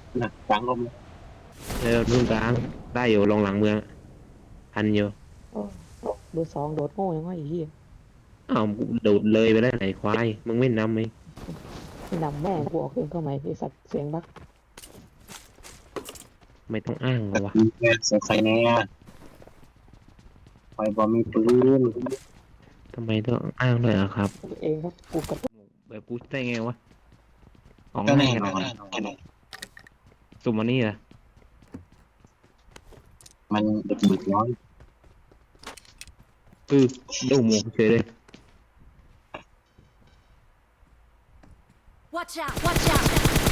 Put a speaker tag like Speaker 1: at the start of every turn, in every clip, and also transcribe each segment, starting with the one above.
Speaker 1: หนักกลางลมเลย
Speaker 2: นู่นกลางได้อยู่ลงหลังเมืองทันอยู่
Speaker 3: โอ้เบอร์สองโดดโง่ยังไงไอ้เหี้ย
Speaker 2: อ้าวโดดเลยไปแล้วไหนควายมึงไม่นำไหม
Speaker 3: ไม่นำแม่กูออกเองเข้ามาไอ้สัตว์เสียงบัก
Speaker 2: ไม่ต้องอ้างหร
Speaker 1: แต่
Speaker 2: อวะ
Speaker 1: ทีแกเสียใครแน่ไฟบอลมีปืน
Speaker 2: ทำไมต้องอ้างด้วยอะครับ
Speaker 3: เองครับกูกับ
Speaker 2: แบบกูได้ไงวะของ
Speaker 1: ก็
Speaker 2: ง่ายข
Speaker 1: แน่นอน
Speaker 2: นาดนั้นสุ่มวันนี้เหรอ
Speaker 1: มันเด็กเด็กน้อย
Speaker 2: ดูหมูเฉยเลย
Speaker 4: Watch out! Watch out!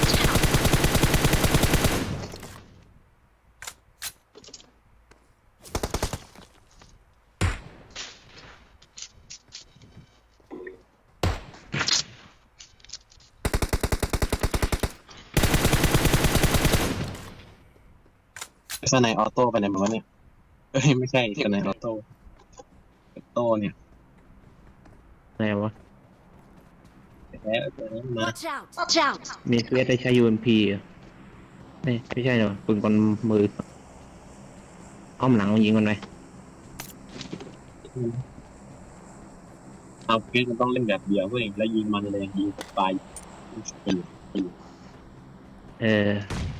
Speaker 1: สไนออโต้ไปไหนมาวะเนี่ยเอ้ยไม่ใช่สไนออโต้โต้เนี่ย
Speaker 2: ไหนวะ
Speaker 1: แพ้ตัวนี้มา
Speaker 4: Watch out! Watch out!
Speaker 2: มีเควสได้ใช้ UMP เหรอนี่ไม่ใช่เหรอปืนกลมืออ้อมหลังมันยิงมันไหม
Speaker 1: เอาเกมมันต้องเล่นแบบเดียวเว้ยแล้วยิงมันเลยยิงตายเป็น
Speaker 2: เออ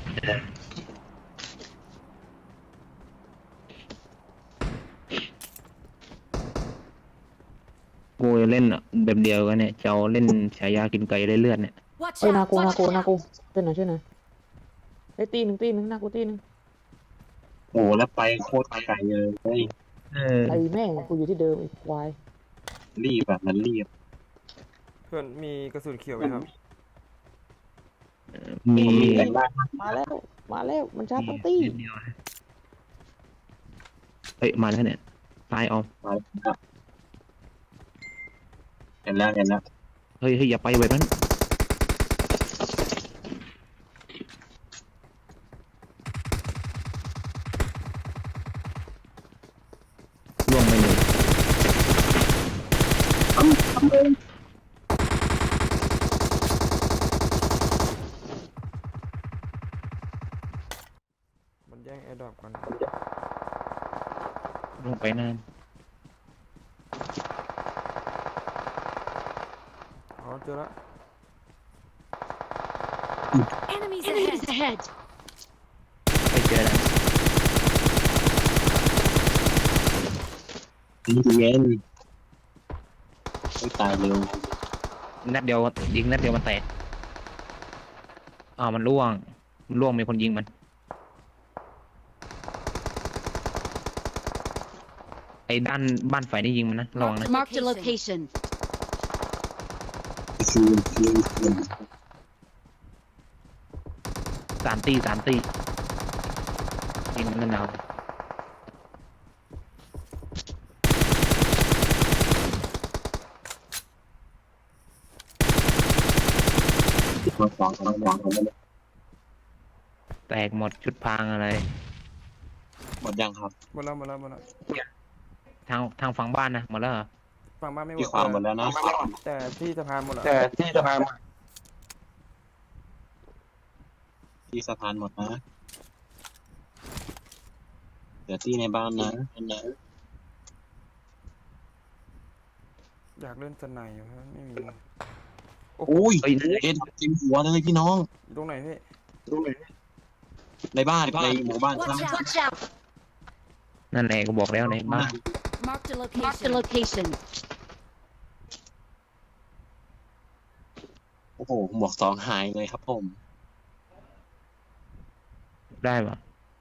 Speaker 2: กูเล่นแบบเดียวกันเนี่ยจะเอาเล่นฉายากินไก่ได้เลือดเนี่ย
Speaker 4: Watch
Speaker 3: เอ้ยนา
Speaker 4: out!
Speaker 3: กูนา
Speaker 4: Watch
Speaker 3: กูนา
Speaker 4: out!
Speaker 3: กูช่วยหน่อยช่วยหน่อยไอ้ยตีหนึ่งนากูตีหนึ่ง
Speaker 1: โอ้แล้วไปโคตรไกลเลยเฮ้ย
Speaker 2: เออ
Speaker 3: ไอ้แม่งกูอยู่ที่เดิมไอ้ควาย
Speaker 1: รีบแบบมันรีบ
Speaker 5: เพื่อนมีกระสุนเขียวไหมครับ
Speaker 2: มี
Speaker 1: ผมมีแต่งบ้าน
Speaker 3: มาแล้วมาแล้วมันชาร์จตั้งตี้
Speaker 2: นิดเดียวนะเฮ้ยมาแล้วเนี่ยตายออม
Speaker 1: มาแล้วเห็นแล้วเห็นแล้ว
Speaker 2: เฮ้ยอย่าไปแบบนั้นล่วงไปหนึ่ง
Speaker 5: มันแย่งแอร์ดรอปกัน
Speaker 2: ล่วงไปนาน
Speaker 5: อ๋อเจอละ
Speaker 4: Enemies ahead!
Speaker 2: ไปเจอแล้ว
Speaker 1: นี่เย็นไม่ตายเร็ว
Speaker 2: นัดเดียวยิงนัดเดียวมันแตกมันล่วงมีคนยิงมันไอ้ด้านบ้านฝ่ายนี่ยิงมันนะระวังนะ
Speaker 4: Mark the location.
Speaker 1: ชูน
Speaker 2: สามตียิงมันนั่นเอา
Speaker 1: มาสองกำลังวางกันแล้ว
Speaker 2: แตกหมดชุดพรางอะไร
Speaker 1: หมดยังครับ
Speaker 5: หมดแล้วหมดแล้วหมดแล้ว
Speaker 2: ทางฝั่งบ้านนะหมดแล้วเหรอ
Speaker 5: ฝั่งบ้านไม่หม
Speaker 1: ที่
Speaker 5: ด
Speaker 1: ความหมดแล้วนะ
Speaker 5: แต่ที่สะพานหมดแล้ว
Speaker 1: ที่สะพานหมดนะเดี๋ยวที่ในบ้านนะ
Speaker 5: อยากเล่นสไนอยู่ครับไม่มี
Speaker 1: โอ้ย
Speaker 2: เฮ้ย
Speaker 1: เอ็ดเต็มหัวเลยพี่น้อง
Speaker 5: อยู่ตรงไหนพี่
Speaker 1: ในบ้านในหมู่บ้านครับ
Speaker 4: Watch out! Watch out!
Speaker 2: นั่นแหละก็บอกแล้วในบ้าน
Speaker 4: Mark the location. Mark the location.
Speaker 1: โอ้โหหมวกสองหายเลยครับผม
Speaker 2: ได้ปะ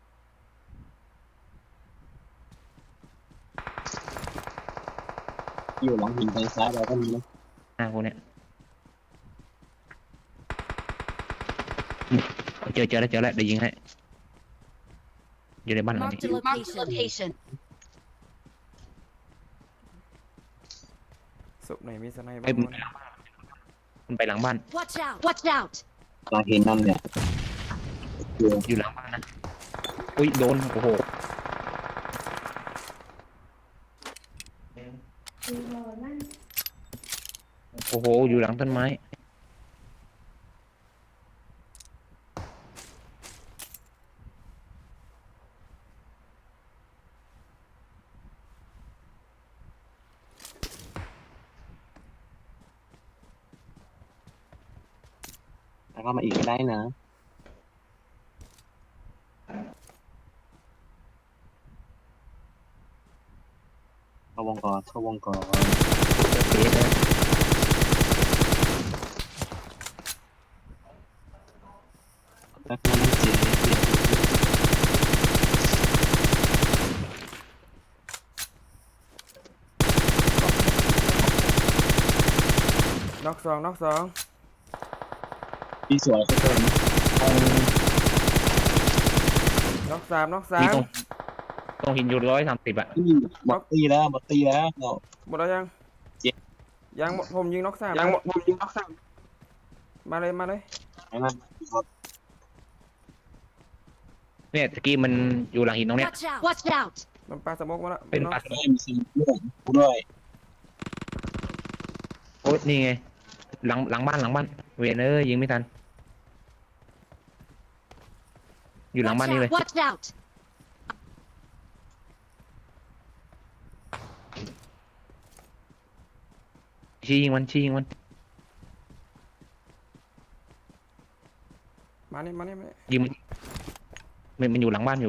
Speaker 1: อยู่หลังหินทางซ้ายเราก็มีนะ
Speaker 2: หน้ากูเนี่ยเจอแล้วเดี๋ยวยิงให้อยู่ในบ้านหลัง
Speaker 4: Mark
Speaker 2: นี้
Speaker 4: the location.
Speaker 5: ศพไหนมีสไนบ้า
Speaker 2: ไอ้
Speaker 5: ง
Speaker 2: มัน
Speaker 5: วะ
Speaker 2: มันไปหลังบ้าน
Speaker 4: Watch out! Watch out!
Speaker 1: ตาเห็นนั่นเนี่ยอยู่
Speaker 2: อยู่หลังบ้านนะอุ้ยโดนโอ้โหอยู่หลังต้นไม้
Speaker 1: แล้วก็มาอีกก็ได้นะเข้าวงก่อนเข้าวงก่อน
Speaker 2: เอ๊ะนะ
Speaker 1: แล้วก็นั่งเจ๊
Speaker 5: น็อกสองน็อกสอง
Speaker 1: พี่สวยสักคน
Speaker 5: น็อกสามน็อกสา
Speaker 2: มี
Speaker 5: ม
Speaker 2: ตรงหินอยู่130อ่ะ
Speaker 1: พี่หมดตีแล้วหมดตีแล้วเรา
Speaker 5: หมดแล้วยัง
Speaker 1: เจ็บ
Speaker 5: ยังหมดผมยิงน็อกสาม
Speaker 1: ยังหมดผมยิงน็อกสาม
Speaker 5: มาเลยมาเลย
Speaker 1: ไอ้นั่นครับ
Speaker 2: เนี่ยตะกี้มันอยู่หลังหินตรงเนี้ย
Speaker 4: Watch out! Watch out!
Speaker 5: มันปลาสโมกมาแล้ว
Speaker 2: เป็น
Speaker 5: น็อก
Speaker 2: ปลา
Speaker 1: ได้มีซีด้วยกูด้วย
Speaker 2: โอ้ยนี่ไงหลังบ้านเวยนยิงไม่ทันอยู่หลัง
Speaker 4: Watch
Speaker 2: บ้านนี่เลย
Speaker 4: out! Watch out!
Speaker 2: ชี้ยิงมัน
Speaker 5: มานี่มานี่มานี่
Speaker 2: ยิงมันอยู่หลังบ้าน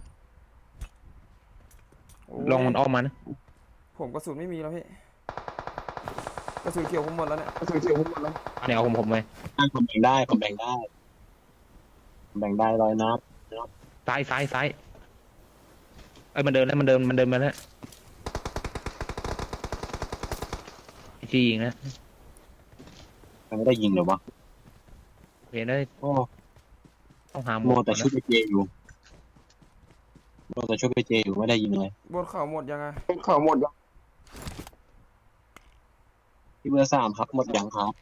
Speaker 5: โอ้ย
Speaker 2: ลองมันอ้อมมานะ
Speaker 5: ผมกระสุนไม่มีแล้วพี่กระสุนเขียวผมหมดแล้วเนี่ย
Speaker 2: เนี่ยเอาผมไป
Speaker 1: ผมแบ่งได้ผมแบ่งได้ผมแบ่งได้ร้อยนัด
Speaker 2: ซ้ายเอ้ยมันเดินมาแล้วชี้ยิงนะ
Speaker 1: มันไม่ได้ยิงเลยวะ
Speaker 2: เวยน
Speaker 1: โอ้
Speaker 2: ต้องหาหม
Speaker 1: โม
Speaker 2: อ
Speaker 1: แต่ชุดไปเจอยู่โมแต่ชุดไปเจอยู่ไม่ได้ยิงเลย
Speaker 5: บนเขาหมดยังไง
Speaker 1: เขาหมดยังที่เบอร์สามครับหมดยังครับ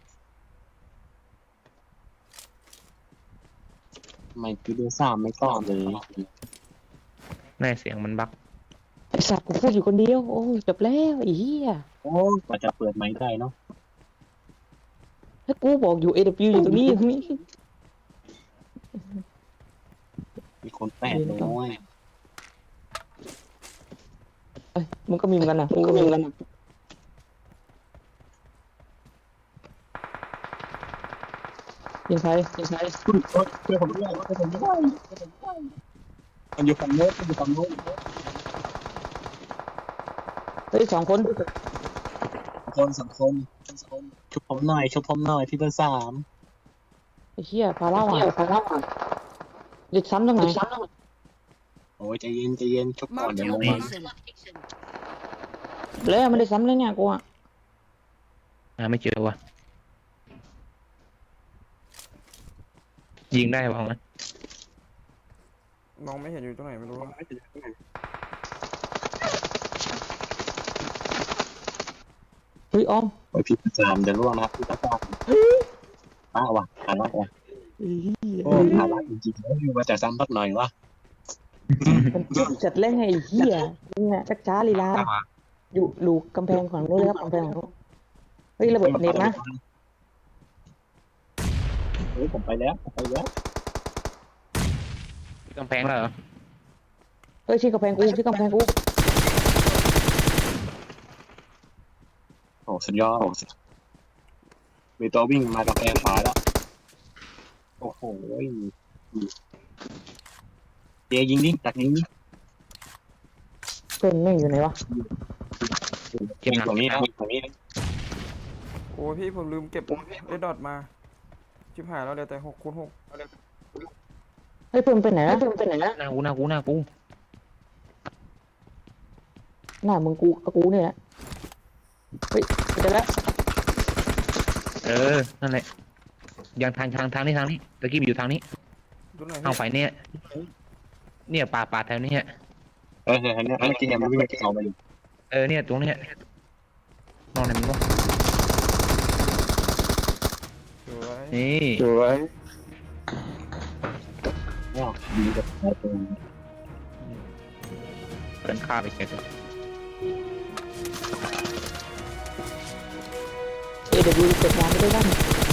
Speaker 1: ทำไมที่เบอร์สามไม่ตอบเลย
Speaker 2: แน่เสียงมันบัก
Speaker 3: ไอ้สัตว์กูพูดอยู่คนเดียวโอ้ยจบแล้วไอ้เหี้ย
Speaker 1: โอ้กว่าจะเปิดไม้ได้เนาะ
Speaker 3: ถ้ากูบอกอยู่ AW อยู่ตรงนี้
Speaker 1: มีคนแปดเลย
Speaker 3: เอ้ยมึงก็มีเหมือนกันนะมึงก็มีเหมือนกันนะยิงใคร
Speaker 1: ช่วยผมด้วยมันอยู่ฝั่งโน้น
Speaker 3: เฮ้ย2 คน
Speaker 1: สองคนชุบผมหน่อยที่เบอร์สาม
Speaker 3: ไอ้เหี้ยพาเล่าอ่ะเด็กซ้ำตรงไหน
Speaker 1: โอ้ยใจเย็นชุบก่อน
Speaker 4: Marked
Speaker 1: เดี๋
Speaker 4: a
Speaker 1: ยวลงมา
Speaker 4: location.
Speaker 3: แล้วไม่ได้ซ้ำเลยเนี่ยกูอ่ะ
Speaker 2: ไม่เจอวะยิงได้ป่ะงั้น
Speaker 5: มองไม่เห็นอยู่ตรงไหนไม่รู้
Speaker 3: เฮ้ยอ้อม
Speaker 1: โอ้ยพี่ประจามเดี๋ยวล่วงนะครับพี่ประจามว่ะหาละว่ะโอ้หาละจริงๆแล้วอยู่มาแต่ซ้ำพักหน่อยวะ
Speaker 3: มันจัดเล่นไงไอ้เหี้ยเนี่ยจักจ้าลีลาอยู่ลูกกำแพงของนู้นเลยครับกำแพงของนู้นเฮ้ยระเบิดเน็ตนะ
Speaker 1: เฮ้ยผมไปแล้ว
Speaker 2: กำแพงแล้วเหรอ
Speaker 3: เฮ้ยชี้กำแพงกู
Speaker 1: โอ้สุดยอดมีตัววิ่งมากำแพงขวาแล้วโอ้โหเจยิงดิตักยิงดิ
Speaker 3: เพื่อนไม่งอยู่ไหนวะ
Speaker 2: เก็บหนัก
Speaker 1: ตรงนี้นะ
Speaker 5: โอ้ยพี่ผมลืมเก็บได้ดอทมาชิบหายแล้วเดี๋ยวแต่6 คูณ 6
Speaker 3: เฮ้ยเพื่อนไปไหนนะ
Speaker 2: หน้ากู
Speaker 3: หน้ามึงกูกับกูเนี่ยเฮ้ยเจอแล้ว
Speaker 2: นั่นแหละยังทางนี้ตะกี้อยู่ทางนี้
Speaker 5: ดูหน่อย
Speaker 2: ทางฝ่ายเนี่ยป่าแถวนี้
Speaker 1: อันนี้เกมมันวิ่งเข้าไปอยู่
Speaker 2: เนี่ยตรงเนี้ยนอนไหนมันวะ
Speaker 5: สวย
Speaker 2: นี่
Speaker 1: ยิงกับตัว
Speaker 2: เป็นฆ่าไปเช็ค
Speaker 3: AW เปิดงานไปด้วยกัน